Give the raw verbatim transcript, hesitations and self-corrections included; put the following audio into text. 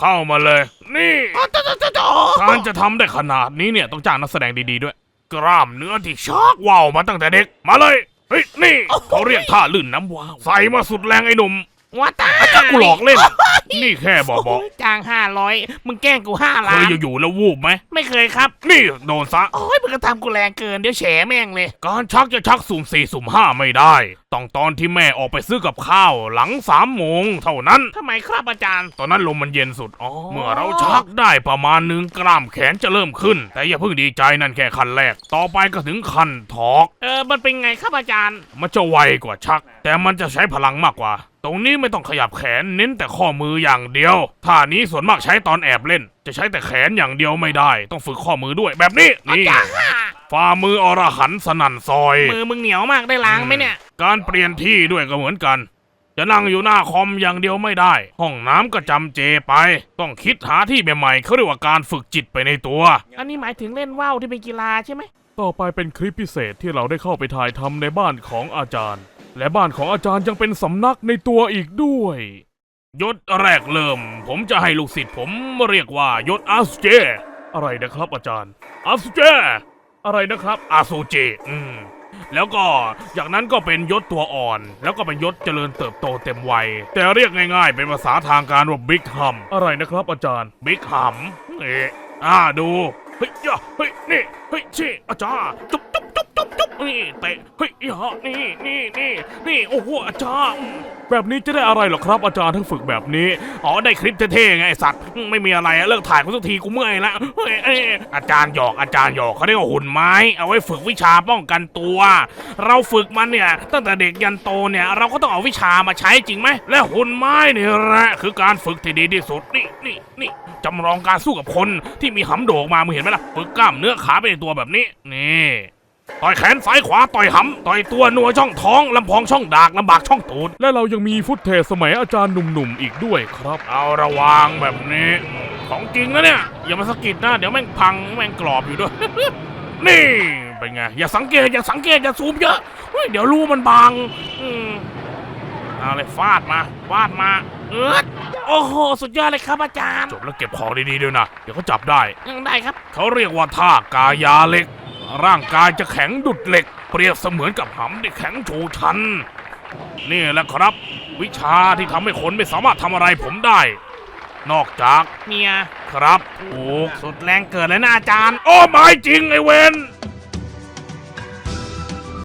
เข้ามาเลยนี่การจะทำได้ขนาดนี้เนี่ยต้องจ้างนักแสดงดีๆด้วยกล้ามเนื้อที่ชากว่าวมาตั้งแต่เด็กมาเลยเฮ้ยนี่เขาเรียกท่าลื่นน้ำว้าวใส่มาสุดแรงไอ้หนุ่มว่าตากูหลอกเล่นนี่แค่บอกบอกจ้างห้าร้อยมึงแกล้งกูห้าล้านเคยอยู่ๆแล้ววูบไหมไม่เคยครับนี่โดนซะโอ้ยมึงก็ทำกูแรงเกินเดี๋ยวแฉแม่งเลยการชักจะชักสุ่มสี่สุ่มห้าไม่ได้ต้องตอนที่แม่ออกไปซื้อกับข้าวหลังสามโมงเท่านั้นทำไมครับอาจารย์ตอนนั้นลมมันเย็นสุดเมื่อเราชักได้ประมาณหนึ่งกล้ามแขนจะเริ่มขึ้นแต่อย่าเพิ่งดีใจนั่นแค่ขั้นแรกต่อไปก็ถึงขั้นถอกเออมันเป็นไงครับอาจารย์มันจะไวกว่าชักแต่มันจะใช้พลังมากกว่าตรงนี้ไม่ต้องขยับแขนเน้นแต่ข้อมืออย่างเดียวท่านี้ส่วนมากใช้ตอนแอบเล่นจะใช้แต่แขนอย่างเดียวไม่ได้ต้องฝึกข้อมือด้วยแบบนี้นี่ฝ่ามืออรหันต์สนั่นซอยมือมึงเหนียวมากได้ล้างไหมเนี่ยการเปลี่ยนที่ด้วยก็เหมือนกันจะนั่งอยู่หน้าคอมอย่างเดียวไม่ได้ห้องน้ำก็จำเจไปต้องคิดหาที่ใหม่ๆเขาเรียกว่าการฝึกจิตไปในตัวอันนี้หมายถึงเล่นว่าวที่เป็นกีฬาใช่ไหมต่อไปเป็นคลิปพิเศษที่เราได้เข้าไปถ่ายทำในบ้านของอาจารย์และบ้านของอาจารย์ยังเป็นสำนักในตัวอีกด้วยยศแรกเริ่มผมจะให้ลูกศิษย์ผมเรียกว่ายศอาสุเจอะไรนะครับอาจารย์อาสุเจอะไรนะครับอาสุเจอืมแล้วก็จากนั้นก็เป็นยศตัวอ่อนแล้วก็เป็นยศเจริญเติบโตเต็มวัยแต่เรียกง่ายๆเป็นภาษาทางการว่าบิ๊กฮัมอะไรนะครับอาจารย์บิ๊กฮัมเอ๊ะอ่าดูเฮ้ยย่าเฮ้ยนี่เฮ้ยชี่อาจารย์จุ๊บจุ๊บจุ๊บจุ๊บจุ๊บนี่เตะเฮ้ยย่านี่นี่นี่นี่โอ้โหอาจารย์แบบนี้จะได้อะไรหรอครับอาจารย์ทั้งฝึกแบบนี้อ๋อได้คลิปเท่ๆไงไอสัตว์ไม่มีอะไรเลิกถ่ายกูสักทีกูเมื่อยแล้วเฮ้ยอาจารย์หยอกอาจารย์หยอกเขาเรียกว่าหุ่นไม้เอาไว้ฝึกวิชาป้องกันตัวเราฝึกมันเนี่ยตั้งแต่เด็กยันโตเนี่ยเราก็ต้องเอาวิชามาใช้จริงไหมและหุ่นไม้นี่แหละคือการฝึกที่ดีที่สุดนี่นี่นี่จำลองการสู้กับคนที่มีหำโดกมามึงเห็นไหมล่ะฝึกกล้ามเนื้อขาไปในตัวแบบนี้นี่ต่อยแขนซ้ายขวาต่อยหำต่อยตัวนัวช่องท้องลำพองช่องดากลำบากช่องตูดและเรายังมีฟุตเทจสมัยอาจารย์หนุ่มๆอีกด้วยครับเอาระวังแบบนี้ของจริงนะเนี่ยอย่ามาสะกิดนะเดี๋ยวแม่งพังแม่งกรอบอยู่ด้วย นี่เป็นไงอย่าสังเกตอย่าสังเกตอย่าซูมเยอะเดี๋ยวรูมันบางอืมเอาเลยฟาดมาฟาดมาเออโอ้โหสุดยอดเลยครับอาจารย์จบแล้วเก็บของดีๆด้วยนะเดี๋ยวเขาจับได้ยังได้ครับเขาเรียกว่าท่ากายาเหล็กร่างกายจะแข็งดุดเหล็กเปรียบเสมือนกับหำที่แข็งชูชันนี่แหละครับวิชาที่ทำให้คนไม่สามารถทำอะไรผมได้นอกจากเมียครับโอ้สุดแรงเกิดเลยนะอาจารย์โอ้ไม่จริงไอเวน